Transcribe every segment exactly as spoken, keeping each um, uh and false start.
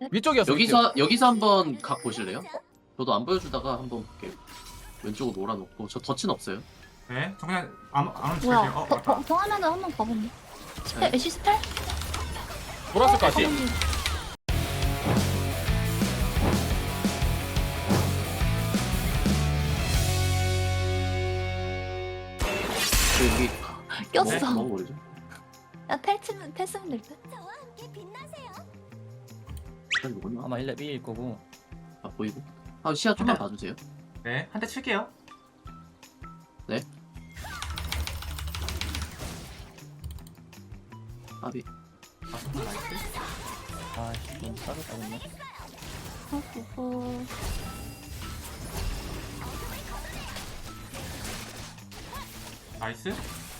위쪽이었어. 여기서 여기서 한번 각 보실래요? 저도 안 보여주다가 한번 볼게요. 왼쪽으로 몰아놓고 저 덫은 없어요. 네, 저 그냥 안, 안 뭐야? 움직일게요. 어, 더, 맞다. 더, 더 하면은 한번 가보네. 스펠, 네. 애쉬 스펠? 돌았을 것 같아. 가보니. 저 여기 꼈어. 뭐, 뭐 모르죠? 야, 펠치면, 펠스면 될 듯? 일단 이거는 아마 일 렙 일일 거고. 아 보이고. 아 시야 좀만 봐주세요. 네, 한 대 칠게요. 아비. 아, 정말 나이스. 아씨 너무 싸졌다 근데. 어허허. 나이스.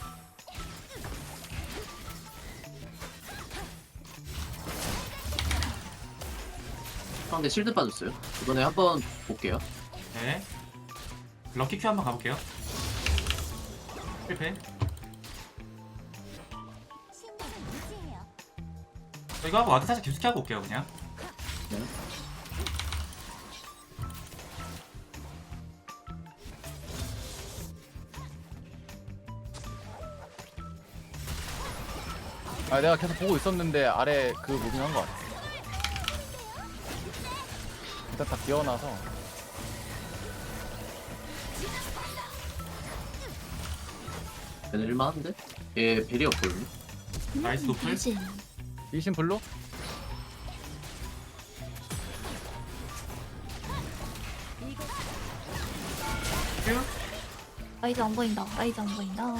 상대 실드 빠졌어요. 이번에 한번 볼게요. 네. 럭키 큐 한번 가볼게요. 실패. 저 이거 하고 와드 살짝 깊숙이 하고 올게요, 그냥. 네. 아 내가 계속 보고 있었는데 아래 그 무빙한 거 같아. 일단 다 기어나서. 얘는 일만한데? 얘 벨이 없거든요. 나이스 노플. 알지. 리신 블루? 큐. 라이즈 안 보인다. 라이즈 안 보인다.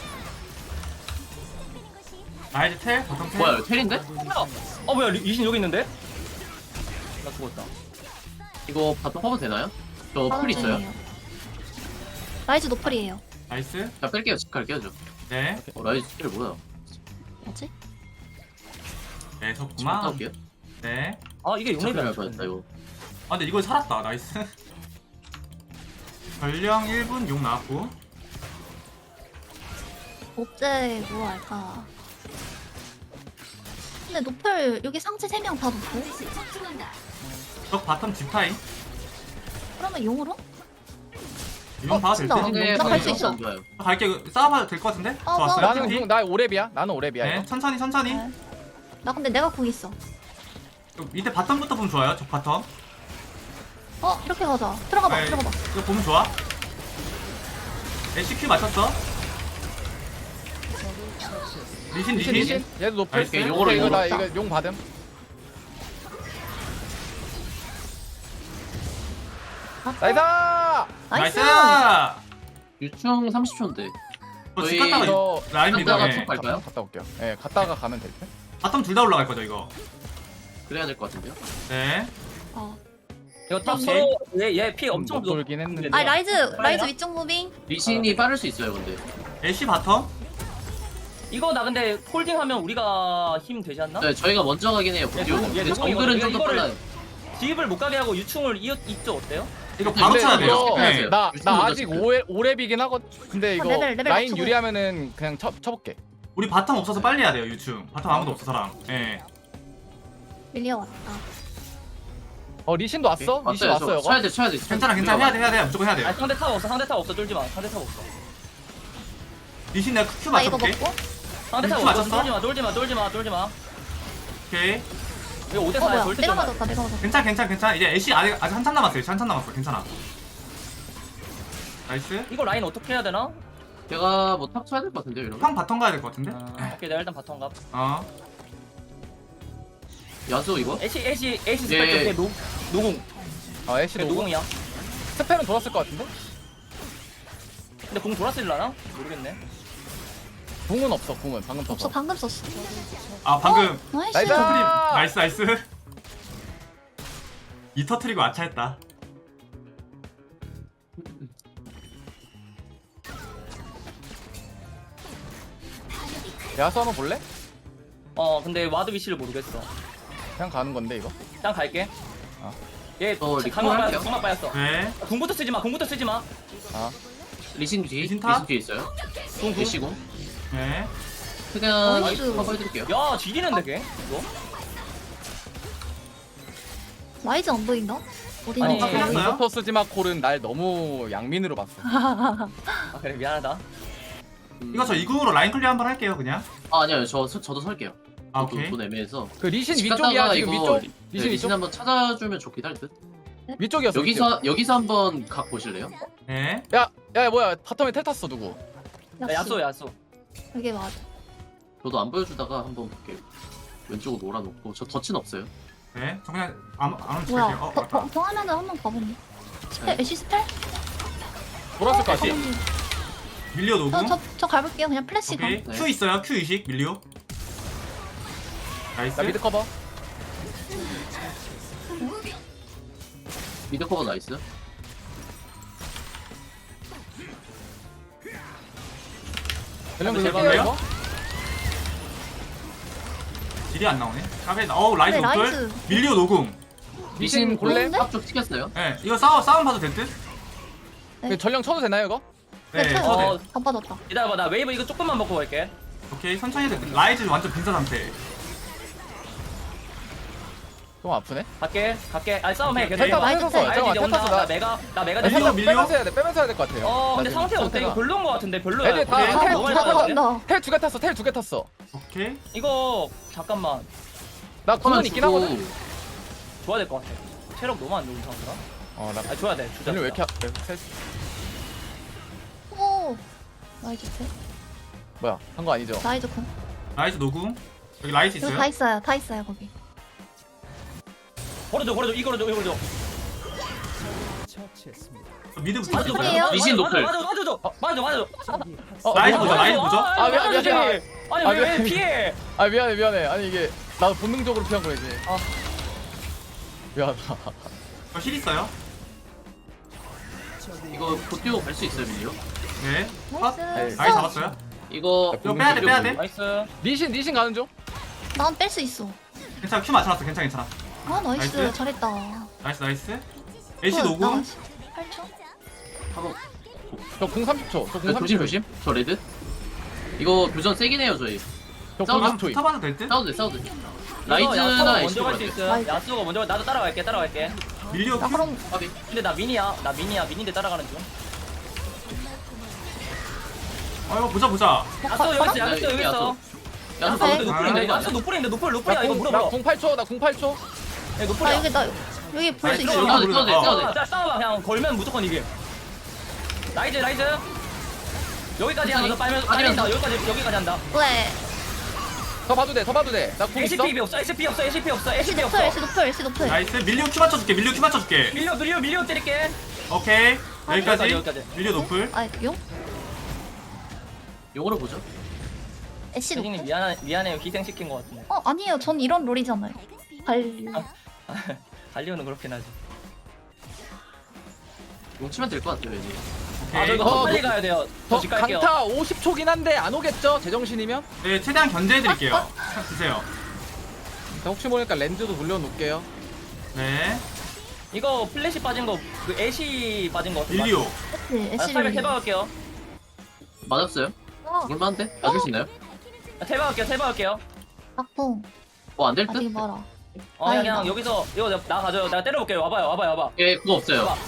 나이즈 텔, 보통 텔. 뭐야 텔인데? 어 뭐야 리- 리신 여기 있는데? 나 죽었다. 이거 바텀 커버 되나요? 저 풀 있어요. 중이에요. 라이즈 노플이에요. 나이스. 자 뺄게요. 집 갈게요 저. 네. 어 라이즈 텔 뭐야? 뭐지? 네, 집 갔다 좋구만. 올게요. 네. 아 이게 집 용렙이 갈 안 뻔했다 죽었네. 이거. 아, 근데 이걸 살았다. 나이스. 전령 일 분 용 나왔고. 어째 뭐 할까? 근데 노플 여기 상체 세 명 다 노플? 적 바텀 집타임. 그러면 용으로? 용 어, 봐도 될 진짜. 듯? 근데 나갈수 안 있어. 좋아요. 갈게. 싸워봐도 될 것 같은데? 어, 좋았어요. 나- 나는 팀. 공- 나 오랩이야. 나는 오랩이야 네, 이거. 천천히 천천히. 네. 나 근데 내가 공 있어. 밑에 바텀부터 보면 좋아요. 적 바텀. 어 이렇게 가자. 들어가봐. 네, 들어가봐. 이거 보면 좋아. 애쉬 큐 맞췄어. 리신 리신 리신. 리신. 얘도 높을. 나이스. 용으로, 오케이, 이거 나 용으로. 이거 용 받음. 아, 나이스. 나이스. 유충 삼십 초인데. 저집 저희 갔다가 이거 라인 미드. 갔다가 네. 쭉 갈까요? 갔다 올게요. 예, 갔다가 가면 될 듯. 바텀 둘 다 올라갈 거죠 이거. 그래야 될 것 같은데요. 네. 어. 이거 탑 오케이. 서로 얘얘피 엄청 못 돌긴 했는데. 아 라이즈 라이즈 위쪽 무빙. 리신이 빠를 수 있어요 근데. 애쉬 바텀. 이거 나 근데 홀딩하면 우리가 힘 되지 않나? 네 저희가 먼저 가긴 해요. 예, dio. 조금, 예, 근데 조금 정글은 이거- 좀 더 이거를- 빨라요. 지입을 못 가게 하고 유충을 이어 이쪽 어때요? 이거 바로 근데 쳐야 돼요. 이거 네. 나, 유충 나 먼저 아직 칠게요. 오랩, 오랩이긴 하거든. 근데 이거 레벨, 레벨 라인 맞추고. 유리하면은 그냥 쳐, 쳐볼게. 우리 바텀 없어서 빨리 해야 돼요 유충. 바텀 아무도 없어 사람. 예. 밀려 왔다. 어 리신도 왔어? 오케이. 리신 왔어요, 왔어 저. 쳐야 이거. 돼 쳐야 돼. 괜찮아 괜찮아 해야 돼 해야 돼 무조건 해야 아니 돼요. 상대 탑 없어 상대 탑 없어 쫄지 마 상대 탑 없어 리신 내가 큐 나 이거 맞춰볼게. 먹고. 상대 탑 룰프 없어 맞췄어? 쫄지 마 쫄지 마 쫄지 마 쫄지 마 오케이. 이거 오 대 어 사야 뭐야? 절대 내가 쫄지 마. 맞았다. 내가 맞았다. 괜찮아 괜찮아 괜찮아. 이제 애쉬 아직 아직 한참 남았어요. 애쉬 한참 남았어. 괜찮아. 나이스. 이거 라인 어떻게 해야 되나? 제가 뭐 탑 쳐야 될 것 같은데요 이러면. 형 바텀 가야 될 것 같은데? 아, 오케이 내가 일단 바텀 가 어. 야수 이거? 애쉬 애쉬 애쉬 예. 스펙 쪽에 노 노공 어 애쉬 그래, 노공. 노공이야 스펠은 돌았을 것 같은데? 근데 공 돌았을라나? 모르겠네 궁은 없어 궁은 방금 없어 터서. 방금 썼어. 아 방금 나이스. 나이스. 터트림 나이스 나이스. 이 터트리고 아차했다. 야수 한번 볼래? 어 근데 와드 위치를 모르겠어 그냥 가는 건데 이거. 일단 갈게 어. 얘 어, 리콜 강막 할게요. 빠졌어 강막 빠졌어 네. 궁부터 쓰지 마 궁부터 쓰지 마 아 리신 뒤. 리신 리신, 탑? 뒤에 있어요. 궁, 궁. 애쉬공. 네. 그냥 나이스. 커버해드릴게요. 야 지리는데 걔 이거 라이즈 안 보인다? 어디 아니, 있는지. 끝났어요? 인버터 쓰지마 콜은 날 너무 양민으로 봤어. 아 그래 미안하다. 음, 이거 저 이궁으로 라인 클리어 한번 할게요 그냥. 아 아니요 저 서- 저도 설게요. 아 저도 오케이. 돈 애매해서. 그 리신 집 위쪽이야 갔다가 지금 이거 위쪽. 리- 리신 네, 리신 위쪽. 한번 찾아주면 좋긴 할 듯. 위쪽이었어. 여기서 여기서 한번 각 보실래요? 네. 야, 야 뭐야 바텀에 텔 탔어 누구? 야, 야쏘 야쏘. 이게 맞아. 저도 안 보여주다가 한번 볼게요. 왼쪽으로 놀아놓고 저 덫은 없어요. 네. 저 그냥 안 안으로 뭐야? 칠게요. 어 더, 맞다. 더, 더 하면은 한번 가보니. 스펠, 네. 애쉬 스펠? 돌았을 것 같아. 가보니. 밀리오 저, 노궁. 저, 저 가볼게요. 그냥 플래시 가. 오케이. 네. Q 있어요. Q 이식 밀리오. 나이스. 나 미드 커버. 미드 커버 나이스. 전령 제발 긁을게요 돼요? 이거. 딜이 안 나오네. 까베. 어우 라이즈 네, 노플. 라이즈. 밀리오 노궁. 리신 골래? 좋은데? 앞쪽 튀겼어요. 네. 이거 싸워 싸움 봐도 될 듯? 네. 그 전령 쳐도 되나요 이거? 네. 네, 쳐도 돼. 어 안 빠졌다. 기다려봐 나 웨이브 이거 조금만 먹고 갈게. 오케이. 천천히 해도 돼. 라이즈 완전 빈사 상태. 좀 아프네. 갈게 갈게. 아니 싸움 해 오케이. 계속. 텔 타서 라이즈 텔 텔. 탔어. 알지 잠깐만 이제 텔 온다. 탔어 나 나. 메가 나 메가 밀리오, 됐어. 밀리오. 빼면서 해야 돼. 빼면서 해야 될 것 같아요. 어 근데 나 지금 상태 어때? 이거 상태가- 별로인 거 같은데 별로야. 애들 다 오케이, 텔 너무 다 많이 탔어. 나왔는데? 텔 두 개 탔어. 텔 두 개 탔어. 오케이. 이거 잠깐만 나 커만 구원 있긴 주고 하거든. 줘야 될 것 같아. 체력 너무 안 좋은 상태라. 어, 나 아 줘야 돼. 주자. 전령 왜 이렇게 주자. 아- 텔- 오! 라이즈 텔. 뭐야? 한 거 아니죠? 라이즈 군. 라이즈 노궁. 여기 라이즈 여기 있어요. 다 있어요. 다 있어요, 거기. 걸어줘 걸어줘 이 걸어줘 이 걸어줘. 미드부터. 맞아, 맞아. 맞아. 리신 노플. 맞아 맞아 맞아 맞아 맞아. 어, 라이즈 어, 보자, 어, 라이즈 보자. 아, 미안, 미안, 미안. 아니 아, 왜 왜 미안. 피해? 아 미안해 미안해. 아니 이게 나도 본능적으로 피한 거지. 아. 미안하다. 저 힐 있어요. 이거 곧 뛰고 갈 수 있어요 밀리오. 네. 컷. 나이스. 라이즈 잡았어요. 이거 이거 빼야 돼, 빼야 돼. 나이스. 리신 리신 가는 중. 난 뺄 수 있어. 괜찮아. 큐 맞춰놨어. 괜찮아 괜찮아. 아, 나이스. 나이스. 잘했다. 나이스 나이스. 애쉬 어, 노궁. 나이스. 팔 초? 한번 저공 삼십 초. 저공 네, 삼십 초. 조심 조심. 저 레드. 이거 교전 세긴 해요 저희. 저공 싸우자. 삼십 초. 타봐도 될 듯? 싸워도 돼 싸워도 돼. 야수가 라이즈나 먼저 애쉬 갈 수 볼 있어. 라이즈. 야수가 먼저 갈- 나도 따라갈게 따라갈게. 밀리오 나 큐. 그럼 까비. 근데 나 미니야 나 미니야 미니인데 따라가는 중. 어 이거 보자 보자. 야수 여기 있어 야수 여기 있어. 야, 야수 싸워도 근데 돼. 노플인데 이거 야수 노플인데 노플 노플이야 이거 물어봐. 나공 팔 초. 나공 팔 초. 야, 아, 노플이야. 여기 나 여기 볼 수 나이스. 있어. 여기 싸워도 돼 싸워도 돼 어. 싸워도 돼. 아, 자 싸워봐 그냥 걸면 무조건 이게. 라이즈 라이즈. 여기까지 하면서 빨면 빨린다 여기까지 여기까지 한다. 왜? 더 봐도 돼. 더 봐도 돼. 나공 있어. 에이치피 없어 에이치피 없어 에이치피 없어 애쉬 에이치피 높을, 없어. 애쉬 높을, 애쉬 높을. 나이스. 밀리오 큐 맞춰줄게. 밀리오 큐 맞춰줄게. 밀려 밀려 밀려 때릴게. 오케이. 여기까지. 여기까지. 밀리오 노플. 아, 용? 용어로 보죠. 애쉬 세진님 높을. 미안해 미안해요 희생시킨 것 같은데. 어, 아니에요. 전 이런 롤이잖아요. 관리. 달리오는 그렇긴 하지. 용 치면 될 것 같아요 이제. 아 저 이거 어, 더 빨리 너- 가야 돼요. 더 저 집 갈게요. 강타 오십 초긴 한데 안 오겠죠? 제정신이면? 네 최대한 견제해드릴게요. 탁 주세요. 자, 혹시 모르니까 렌즈도 돌려놓을게요. 네. 이거 플래시 빠진 거 그 애쉬 빠진 거 같은데. 밀리오. 그치, 아, 애쉬 탈백 롤. 해봐갈게요. 맞았어요? 어, 얼마인데? 맞을 수 있나요? 아, 해봐갈게요. 해봐갈게요. 악풍. 어 안 될 듯? 아직 멀어. 어 그냥, 다행이다. 그냥 여기서 이거 내가- 나 가져요. 내가 때려볼게요. 와봐요. 와봐요. 와봐. 예 그거 없어요. 와봐.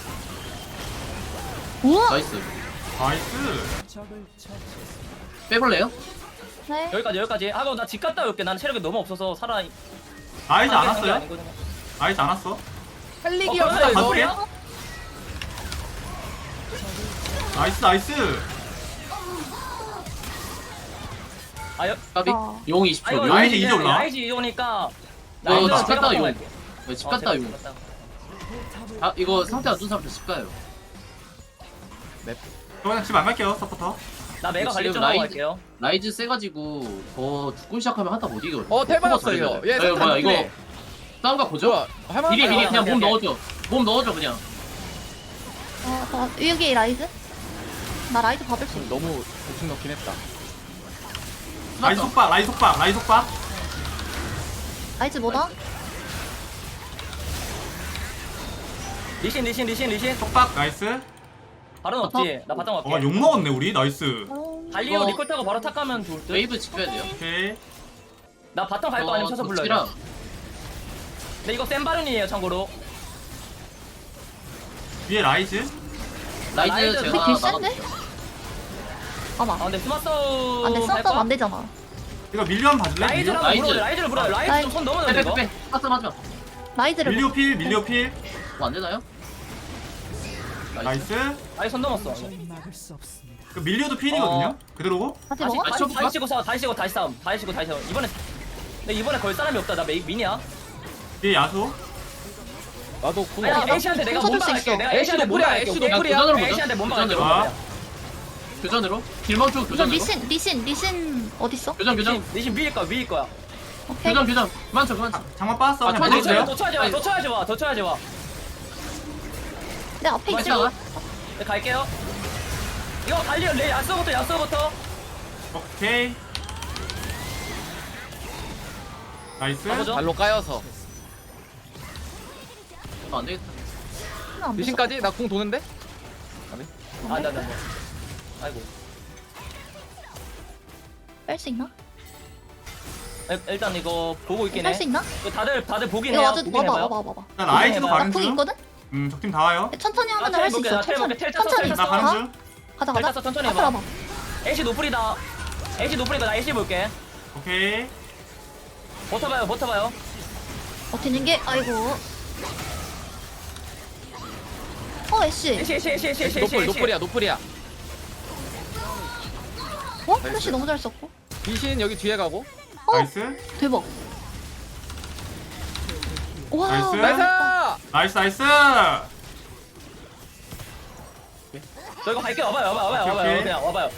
우와! 나이스. 나이스. 빼볼래요? 네. 여기까지 여기까지. 하고 나 집 갔다 올게. 나는 체력이 너무 없어서 살아. 라이즈 안 게 왔어요? 아니거든요. 라이즈 안 왔어? 살리기 어, 없어 그러네. 이거. 바꿀이야? 나이스 나이스. 아, 여, 까비. 어. 용 아 이십 초. 이거 용 라이즈 이제 이제 올라와? 라이즈 이제 오니까. 어, 라이즈 집 제가 갔다 바꿔 용. 갈게. 네, 집 어, 갔다 제가 용. 갔다. 아 이거 상태 안 좋은 사람들 집 가요. 저 그냥 집 안 갈게요 서포터. 나 메가 지금 관리 좀 하고 라이즈- 갈게요. 라이즈 세가지고 더 죽고 시작하면 한타 못 이겨. 어, 텔 받았어, 이거. 얘 예, 상태 뭐야 안 이거 좋네. 싸움가 보죠. 좋아. 할만하다. 미리 미리 그냥 오케이, 몸 오케이. 넣어줘. 몸 넣어줘 그냥. 어, 어, 여기 라이즈? 나 라이즈 받을 수 있어. 너무 대충 넣긴 했다. 라이즈 속박 라이즈 속박 라이즈 속박. 라이즈 뭐다? 리신 리신 리신 리신. 속박 나이스. 바로는 없지. 나 바탕 갈게. 어욕 먹었네 우리 나이스. 어, 달리오 어. 리콜 타고 바로 탁 가면 좋을 듯. 웨이브 지켜야 돼요. 오케이. 나 바탕 갈 거 아니면 쳐서 불러요. 랑 근데 이거 센 바른이에요 참고로. 위에 라이즈. 라이즈 라이즈 제가 우리 딜 센데? 나가볼게요. 봐봐. 아 근데 스마트 싸움 안돼 할 싸움 거야? 안 되잖아. 이거 밀리오 한번 봐줄래? 밀리오? 라이즈를 한번 라이즈. 물어요. 라이즈를 물어요. 라이즈 라이즈. 좀손 넘었는데 이거. 빼빼빼 파스하지 라이즈를 밀리오 필, 밀리오 필. 뭐안 되나요? 나이스. 라이즈 손 넘었어. 그 밀리오도 필이거든요. 어. 그대로고. 다시 다시 먹어? 다시 다시 쳐볼까? 다시 치고 싸움. 다시 치고 다시 싸움. 다시 치고 다시 싸움. 이번에 근데 이번에 걸 사람이 없다. 나 메이 미니야. 뒤에 야수. 나도 궁 아니 없어. 애쉬한테 내가 쳐줄 몸박 수 할게. 있어. 내가 애쉬 애쉬한테 노플이야, 몸박 할게. 애쉬 오케이? 노플이야. 교전으로 보자. 애쉬한테 몸박 할게. 교전으로. 아. 몸박. 교전으로 길망초 이거 교전으로 리신 리신 리신 어딨어? 교전 교전 리신 리신 밀릴 거야. 밀릴 거야. 오케이. 교전 교전 그만쳐 그만쳐 장만 빠졌어. 아, 그냥 쳐야 더 돼, 밀어주세요. 쳐야지 더 쳐야지 와. 더 쳐야지 와. 더 쳐야지 와. 내 앞에 맞아. 있어. 네, 갈게요. 이거 갈리오 레 야스부터 야스부터. 오케이. 나이스. 가보죠. 발로 까여서. 아, 안 되겠다 안 돼. 리신까지 나 궁 도는데? 아, 나, 나, 나. 아이고. 뺄수 있나? 일- 일단 이거 보고 있긴 해. 뺄수 있나? 이거 다들 다들 보긴 이거 해요. 와줘. 보긴 와봐 해봐요. 와봐 와봐. 나 라이즈도 해봐요. 가는 나궁 중. 있거든? 음, 적팀 다 와요. 천천히 하면 아, 할 수 텔 있어. 볼게, 텔 천천히. 볼게, 텔 탔어, 천천히. 텔 나 탔어. 가는 가? 중. 가자 텔 가자. 탔어, 천천히 앞으로 해봐. 와봐. 애쉬 노플이다. 애쉬 노플이니까 나 애쉬 볼게. 오케이. 버텨봐요, 버텨봐요. 버티는 게 아이고. 어 애쉬. 애쉬, 애쉬, 애쉬, 애쉬, 애쉬, 노플 애쉬. 노플이야 노플이야. 어? 플래시 너무 잘 썼고. 리신 여기 뒤에 가고. 어? 나이스. 대박. 와. 나이스. 나이스. 나이스 나이스. 저 이거 갈게요. 와봐요, 와봐요, 와봐요, 오케이, 와봐요. 오케이. 그냥 와봐요.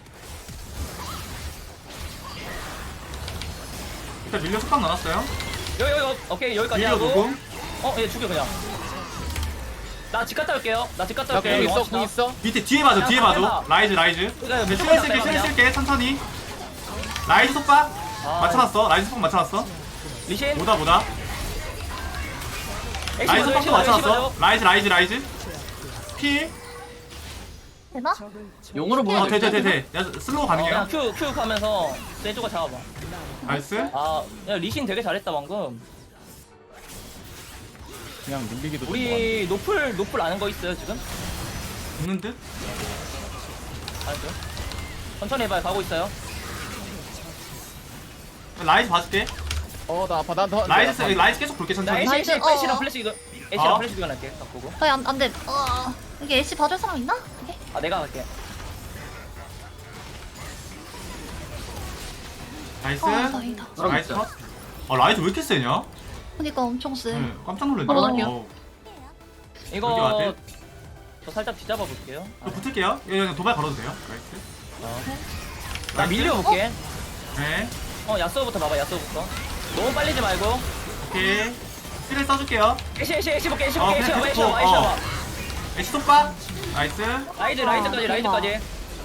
일단 밀리오 속박 넣어놨어요. 여기, 여기, 오케이, 여기까지 밀리오 하고. 녹음. 어, 얘 죽여, 그냥. 나 집 갔다 올게요. 나 집 갔다 나 궁 올게요. 있어 궁 있어. 밑에 뒤에 봐줘 뒤에 봐줘. 라이즈 라이즈. 그러니까 네, 무조건 슈레 쓸게 슈레 그냥. 쓸게 천천히. 라이즈 속박. 아, 맞춰놨어. 라이즈 속박 맞춰놨어. 리신. 뭐다 뭐다. 애쉬 라이즈 봐줘, 애쉬 속박도 봐줘, 애쉬 맞춰놨어. 봐줘. 라이즈 라이즈 라이즈. 필. 되나? 용으로 보면 어, 돼, 돼, 돼, 돼. 야, 슬로우 어, 그냥 가능해요? 큐, 큐 가면서 내 쪽을 잡아봐. 나이스. 아, 야, 리신 되게 잘했다, 방금. 그냥 밀리기도 좀 우리 노플, 노플 아는 거 있어요, 지금? 붙는 듯? 알죠? 천천히 해봐요, 가고 있어요. 라이즈 봐줄게. 어나 아파 나더 라이즈, 쓰- 라이즈 계속 볼게, 나 천천히. 애쉬, 애쉬, 나이스, 어, 애쉬랑 어. 플래시, 이거, 애쉬랑 어? 플래시 이거 할게, 딱 보고. 거의 안, 안 돼. 어. 이게 애쉬 봐줄 사람 있나? 이게? 아, 내가 갈게. 나이스. 아, 다행이다. 나이스 컷. 아, 라이즈 왜 이렇게 세냐? 그러니까 엄청 세. 응, 깜짝 놀랐네. 바로 할게요. 어. 여기 이거, 와드. 저 살짝 뒤잡아 볼게요. 또 붙을게요. 예, 그냥 도발 걸어도 돼요. 나이스. 나 밀려볼게. 네. 어, 야스오부터 봐봐, 야스오부터. 너무 빨리지 말고. 오케이. 필을 써줄게요. 애쉬, 애쉬, 애쉬 볼게, 애쉬 어, 볼게, 애쉬 그냥 봐봐, 애쉬 계속 봐봐, 애쉬 어. 봐봐. 애쉬 속박. 나이스. 라이즈, 아, 라이즈까지, 대박. 라이즈까지.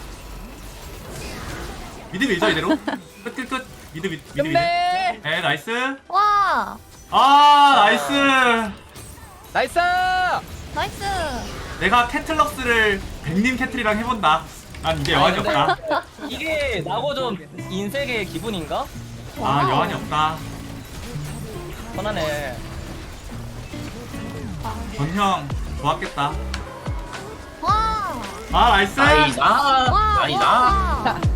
미드 밀죠, 이대로. 끝, 끝, 끝. 미드, 미드, 미드. 미드. 끝내. 네, 나이스. 와. 아, 나이스. 나이스. 나이스. 내가 캐틀럭스를 백님 캐틀이랑 해본다. 난 이제 여한이 근데 없다. 이게 나고 좀 인색의 기분인가? 아, 여한이 없다. 편하네. 전형 좋았겠다. 와. 아, 나이스. 나이나 와. 나이나 와.